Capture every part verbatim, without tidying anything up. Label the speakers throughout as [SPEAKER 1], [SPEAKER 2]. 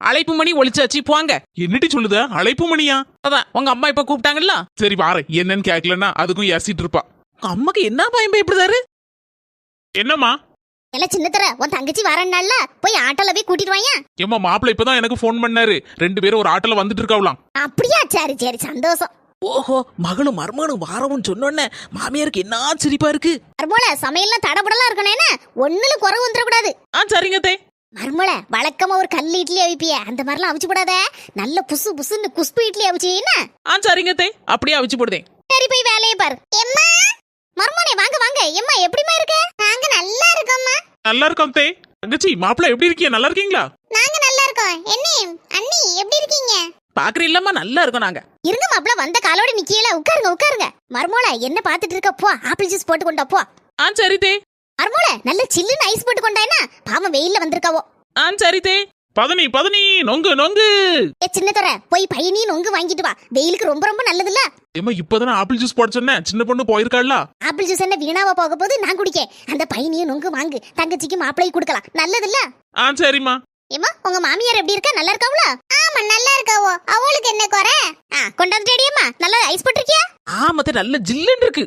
[SPEAKER 1] அழைப்பு மணி ஒழிச்சாச்சு போங்க.
[SPEAKER 2] என்னடி சொல்லுத? அழைப்பு மணியா?
[SPEAKER 1] அதான் உங்க அம்மா இப்ப கூப்பிட்டாங்கல்ல.
[SPEAKER 2] சரி வாரேன். என்னன்னு கேட்கலன்னா அதுக்கும் ஏசிட்டு இருப்பா.
[SPEAKER 1] உங்க அம்மாக்கு என்ன பயம் பயப்படுதாரு?
[SPEAKER 2] என்னம்மா?
[SPEAKER 3] இல்ல சின்னத்தர உன் தங்கச்சி வரேன்னால போய் ஆட்டோல போய் கூட்டிட்டு வாங்க.
[SPEAKER 2] ஏமா மாப்பிள்ள இப்பதான் எனக்கு போன் பண்ணாரு. ரெண்டு பேரும் ஒரு ஆட்டோல வந்துட்டு இருக்காவலாம்.
[SPEAKER 3] அப்படியா? சரி சரி சந்தோஷம்.
[SPEAKER 1] ஓஹோ, மகளும் மருமகனும் வாரவும் சொன்னோன்னே மாமியாருக்கு என்ன சிரிப்பா இருக்கு.
[SPEAKER 3] மருமோள சமையல்லாம் தடபடலாம் இருக்கணும், என்ன ஒண்ணுல குறை வந்துடக்கூடாது.
[SPEAKER 1] ஆ சரிங்க தே.
[SPEAKER 3] மருமோள வழக்கமா ஒரு கல் இட்லி அவிப்பிய அந்த மாதிரிலாம் அவிச்சு போடாத. நல்ல புசு புசுன்னு குஸ்பு இட்லி அவிச்சு என்ன.
[SPEAKER 1] ஆ சரிங்க தே, அப்படியே அவிச்சு போடுதேன்.
[SPEAKER 3] சரி போய் வேலையை பாரு. எம்மா மருமோனே வாங்க வாங்க. எம்மா எப்படிமா இருக்க? நாங்க நல்லா இருக்கோம்மா.
[SPEAKER 2] நல்லா இருக்கோம் தே. தங்கச்சி மாப்பிள்ள எப்படி இருக்கீங்க? நல்லா இருக்கீங்களா?
[SPEAKER 3] நாங்க நல்லா இருக்கோம். என்ன அண்ணி எப்படி இருக்கீங்க?
[SPEAKER 1] பாக்குற இல்லம்மா, நல்லா இருக்கும். நாங்க
[SPEAKER 3] இருங்க மாப்பிள்ள வந்த காலோட நிக்கல. உட்காருங்க உட்காருங்க. மருமோள என்ன பாத்துட்டு இருக்க? போ ஆப்பிள் ஜூஸ் போட்டு கொண்டா போ.
[SPEAKER 1] ஆ சரி தே.
[SPEAKER 3] மருமோள நல்ல சில்லுன்னு ஐஸ் போட்டு கொண்டா என்ன. பாவம் வெயில்ல வந்திருக்காவோ.
[SPEAKER 1] ஆ சரி தே.
[SPEAKER 2] பதனி பதனி நொங்கு நொங்கு.
[SPEAKER 3] ஏ சின்னத்தர போய் பையனி நொங்கு வாங்கிட்டு வா. வெயிலுக்கு ரொம்ப ரொம்ப நல்லதுல்ல.
[SPEAKER 2] ஏமா இப்பதானே ஆப்பிள் ஜூஸ் போட சொன்னேன். சின்ன பொண்ணு போயிருக்காள்ல.
[SPEAKER 3] ஆப்பிள் ஜூஸ் என்ன வீணாவா போக போது? நான் குடிக்க. அந்த பையனியும் நொங்கு வாங்கு. தங்கச்சிக்கு மாப்பிளைக்கு கொடுக்கலாம். நல்லதுல்ல.
[SPEAKER 2] ஆ சரிம்மா.
[SPEAKER 3] ஏமா உங்க மாமியார் எப்படி இருக்கா? நல்லா இருக்காவளா? ஆமா நல்லா இருக்காவோ. அவளுக்கு என்ன குறை? ஆ கொண்டாந்துட்டேடியம்மா. நல்லா ஐஸ் போட்டிருக்கியா?
[SPEAKER 1] ஆமத்த நல்ல ஜில்லுன்னு இருக்கு.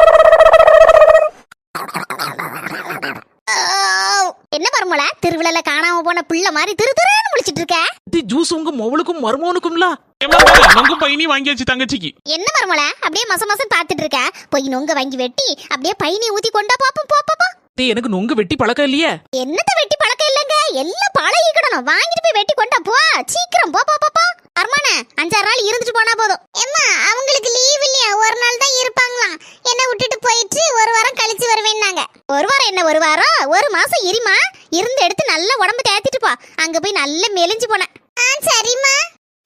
[SPEAKER 3] என்ன மருமல திருவிழால காணாம போன பிள்ளை மாதிரி திரு திருன்னு முழிச்சிட்டு இருக்க?
[SPEAKER 1] இது ஜூஸ் உங்க மொவளுக்கும் மருமகனுக்கும்ல.
[SPEAKER 2] ஏமா நொங்கு பையனி வாங்கியாச்சு தங்கச்சிக்கு.
[SPEAKER 3] என்ன மருமல அப்படியே மச மசம் பாத்துட்டு இருக்க? போய் நொங்க வாங்கி வெட்டி அப்படியே பையனி ஊத்தி கொண்டா பாப்போம். போ போ
[SPEAKER 1] தே, எனக்கு நொங்கு வெட்டி பழக்கம் இல்லையே.
[SPEAKER 3] என்னத்த வெட்டி பழக்கம் இல்லங்க. எல்லாம் பழகிக்கணும். வாங்கிட்டு போய் வெட்டி கொண்டா போ. சீக்கிரம் போ போ போ. அர்மான அஞ்சாறு நாள் இருந்துட்டு போனா போதும். ஏம்மா அவங்களுக்கு லீவ் இல்லையா? ஒரு நாள் தான் இருப்பாங்களாம். என்ன விட்டுட்டு போயிட்டு ஒரு வாரம் கழிச்சு வருவேன்னாங்க. ஒரு வாரம் என்ன ஒரு வாரம்? ஒரு மாசம் இருமா. இருந்து எடுத்து நல்ல உடம்பு தேத்திட்டு போ. அங்க போய் நல்ல மெலிஞ்சு போன. ஆ சரிம்மா.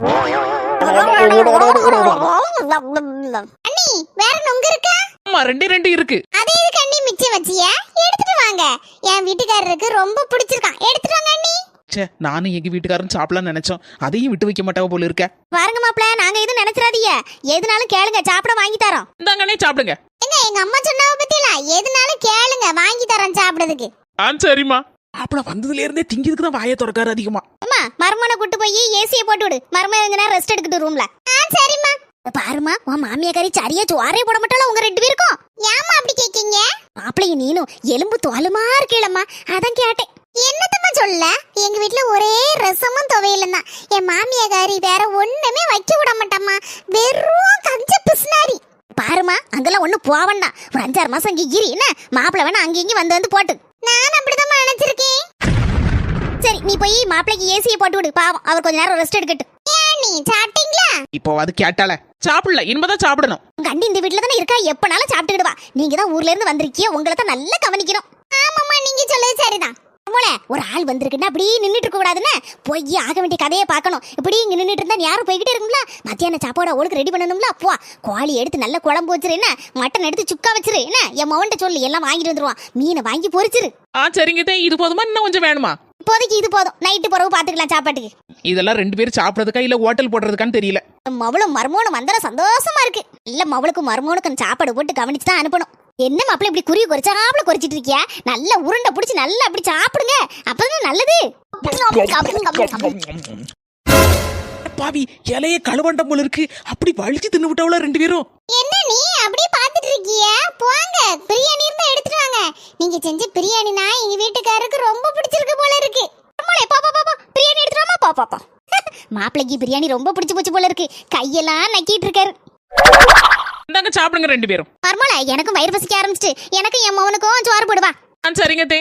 [SPEAKER 3] அண்ணி வேற நொங்க இருக்கா?
[SPEAKER 1] ஆமா ரெண்டே ரெண்டு இருக்கு.
[SPEAKER 3] அதே இதுக்கு அண்ணி மிச்சம் வச்சியா? எடுத்துட்டு வாங்க. என் வீட்டுக்காரருக்கு ரொம்ப பிடிச்சிருக்கான். எடுத்துட்டு வாங்க அண்ணி.
[SPEAKER 1] ச்சே, நானும் எங்க வீட்டுக்காரன் சாப்பிடலாம்னு நினைச்சோம். அதையும் விட்டு வைக்க மாட்டாவ போல இருக்க.
[SPEAKER 3] பாருங்க மாப்ள, நாங்க எதுவும் நினைச்சிராதீங்க. எதுனாலும் கேளுங்க, சாப்பிட வாங்கி தரோம்.
[SPEAKER 1] இந்தாங்கண்ணே சாப்பிடுங்க.
[SPEAKER 3] எங்க எங்க அம்மா சொன்னாவ பத்தியில எதுனாலும் கேளுங்க, வாங்கி தரோம் சாப்பிடுறதுக்கு.
[SPEAKER 2] ஆ சரிம்மா.
[SPEAKER 1] மாப்பிள வந்ததுல இருந்தே திங்கிறதுக்கு தான் வாயை திறக்காரு அதிகமா.
[SPEAKER 3] அம்மா மருமனை கூட்டு போய் ஏசியை போட்டு விடு. மருமன் கொஞ்ச நேரம் ரெஸ்ட் எடுக்கட்டும் ரூம்ல. ஆ சரிம்மா. பாருமா உன் மாமியாக்காரி சரியா சோறே போட மாட்டாளா உங்க ரெண்டு பேருக்கும்? ஏமா அப்படி கேக்கீங்க? மாப்பிளையும் நீனும் எலும்பு தோலுமா இருக்கீங்களம்மா, அதான் கேட்டேன். என்னத்தம்மா சொல்ல? எங்க வீட்டுல ஒரே ரசமும் துவையலும் தான். என் மாமியாக்காரி வேற ஒண்ணுமே வைக்க விட மாட்டாம்மா. வெறும் கஞ்ச பிஸ்னாரி. பாருமா அங்கெல்லாம் ஒண்ணு போவண்டா. ஒரு அஞ்சாறு மாசம் இங்க இரு என்ன. மாப்பிள வேணா அங்க இங்க வந்து வந்து போட்டு. நான் அப்படிதான் நினைச்சிருக்கேன். சரி நீ போய் மாப்பிளைக்கு ஏசியை போட்டு விடு. பாவம் அவர் கொஞ்ச நேரம் ரெஸ்ட் எடுக்கட்டும். நீ சாப்பிட்டீங்களா?
[SPEAKER 1] இப்போ அது கேட்டால சாப்பிடல, இனிமேதான் சாப்பிடணும்.
[SPEAKER 3] உங்க அண்டி இந்த வீட்டுல தானே இருக்கா, எப்பனாலும் சாப்பிட்டுக்கிடுவா. நீங்க தான் ஊர்ல இருந்து வந்திருக்கீங்க, உங்களை தான் நல்லா கவனிக்கணும். ஆமாமா நீங்க சொல்றது சரிதான். ஒரு ஆள் வந்திருக்குன்னா அப்படியே நின்றுட்டு இருக்க கூடாதுன்னு போய் ஆக வேண்டிய கதையை பார்க்கணும். இப்படி இங்க நின்றுட்டு இருந்தா யாரும் போய்கிட்டே இருக்குங்களா? மத்தியான சாப்பாடு அவளுக்கு ரெடி பண்ணணும்ல. அப்போ கோழி எடுத்து நல்ல குழம்பு வச்சிரு என்ன, மட்டன் எடுத்து சுக்கா வச்சிரு என்ன. என் மவன்ட்ட சொல்லி எல்லாம் வாங்கிட்டு வந்துருவான். மீனை வாங்கி பொரிச்சிரு.
[SPEAKER 1] ஆ சரிங்க, இது போதுமா இன்னும் கொஞ்சம் வேணுமா?
[SPEAKER 3] இப்போதைக்கு இது போதும். நைட்டு பிறகு பாத்துக்கலாம் சாப்பாட்டுக்கு.
[SPEAKER 1] இதெல்லாம் ரெண்டு பேரும் சாப்பிடறதுக்கா இல்ல ஹோட்டல் போடுறதுக்கான்னு தெரியல.
[SPEAKER 3] மவளும் மருமோனும் வந்தா சந்தோஷமா இருக்கு. இல்ல மவளுக்கும் மருமோனுக்கும் சாப்பாடு போட்டு கவனிச்சு தான் அனுப்பணும். என்ன மாப்பிள்ள இப்படி குறி குறிச்சாப்ல குறிச்சிட்டு இருக்கியா? நல்ல உருண்டை பிடிச்சி நல்லா அப்படி சாப்பிடுங்க, அப்பதான் நல்லது.
[SPEAKER 1] பாவி இலைய கழுவண்டம் போல இருக்கு. அப்படி வலிச்சு தின்னு விட்டவள ரெண்டு பேரும்.
[SPEAKER 3] என்ன நீ அப்படியே பாத்துட்டு இருக்கிய? போங்க பிரியாணி இருந்தா எடுத்துட்டு வாங்க. நீங்க செஞ்ச பிரியாணினா எங்க வீட்டுக்காரருக்கு ரொம்ப பிடிச்சிருக்கு போல இருக்கு. பிரியாணி எடுத்துட்டு வாமா. பா பாப்பா மாப்பிள்ளைக்கு பிரியாணி ரொம்ப பிடிச்சு போச்சு போல இருக்கு. கையெல்லாம் நக்கிட்டு இருக்காரு.
[SPEAKER 1] இந்தாங்க சாப்பிடுங்க ரெண்டு பேரும்.
[SPEAKER 3] மர்மல எனக்கும் வயிறு பசிக்க ஆரம்பிச்சிட்டு. எனக்கு என் மவனுக்கும் சோறு போடுவா.
[SPEAKER 1] ஆ சரிங்க தே.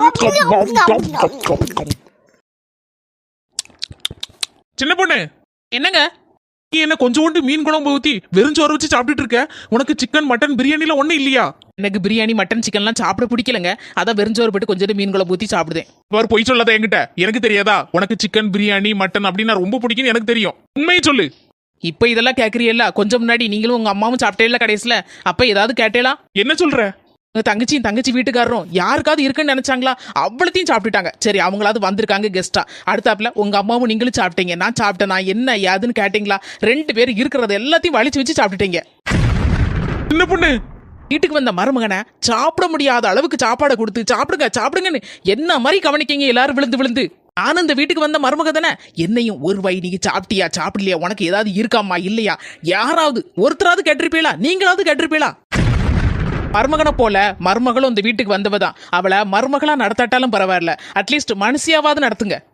[SPEAKER 2] சின்ன பொண்ணு
[SPEAKER 1] என்னங்க?
[SPEAKER 2] நீ என்ன கொஞ்சோண்டு மீன் குழம்பு ஊத்தி வெறும் சோறு வச்சு சாப்பிட்டுட்டு இருக்க? உனக்கு சிக்கன் மட்டன் பிரியாணில ஒண்ணு இல்லையா?
[SPEAKER 1] எனக்கு பிரியாணி மட்டன் சிக்கன்லாம் சாப்பிட பிடிக்கலங்க. அதான் வெறுஞ்சோறு போட்டு கொஞ்சம் மீன் குழம்பு ஊத்தி சாப்பிடுதேன்.
[SPEAKER 2] வேறு பொய் சொல்லாத என்கிட்ட. எனக்கு தெரியாதா உனக்கு சிக்கன் பிரியாணி மட்டன் அப்படின்னா ரொம்ப பிடிக்கும்னு எனக்கு தெரியும். உண்மையை சொல்லு.
[SPEAKER 1] இப்ப இதெல்லாம் கேக்குறீல்ல? கொஞ்சம் முன்னாடி நீங்களும் உங்க அம்மாவும் சாப்பிட்டே கடைசியில. அப்ப ஏதாவது கேட்டேலா?
[SPEAKER 2] என்ன சொல்ற?
[SPEAKER 1] உங்க தங்கச்சியும் தங்கச்சி வீட்டுக்காரரும் யாருக்காவது இருக்குன்னு நினைச்சாங்களா? அவ்வளத்தையும் சாப்பிட்டுட்டாங்க. சரி அவங்களாவது வந்திருக்காங்க கெஸ்டா. அடுத்தாப்புல உங்க அம்மாவும் நீங்களும் சாப்பிட்டீங்க. நான் சாப்பிட்டேன். நான் என்ன ஏதுன்னு கேட்டீங்களா? ரெண்டு பேரும் இருக்கிறத எல்லாத்தையும் வலிச்சு வச்சு சாப்பிட்டுட்டீங்க.
[SPEAKER 2] சின்ன பொண்ணு
[SPEAKER 1] வீட்டுக்கு வந்த மருமகனை சாப்பிட முடியாத அளவுக்கு சாப்பாடை கொடுத்து சாப்பிடுங்க சாப்பிடுங்கன்னு என்ன மாதிரி கவனிக்கீங்க எல்லாரும் விழுந்து விழுந்து. நானும் இந்த வீட்டுக்கு வந்த மருமக தானே, என்னையும் ஒரு வை நீங்க சாப்பிட்டியா சாப்பிடலையா, உனக்கு ஏதாவது இருக்காமா இல்லையா, யாராவது ஒருத்தராவது கேட்டிருப்பீங்களா? நீங்களாவது கேட்டிருப்பீங்களா? மருமகனை போல மருமகளும் இந்த வீட்டுக்கு வந்தவதான். அவளை மருமகளா நடத்தாட்டாலும் பரவாயில்ல, அட்லீஸ்ட் மனுஷியாவது நடத்துங்க.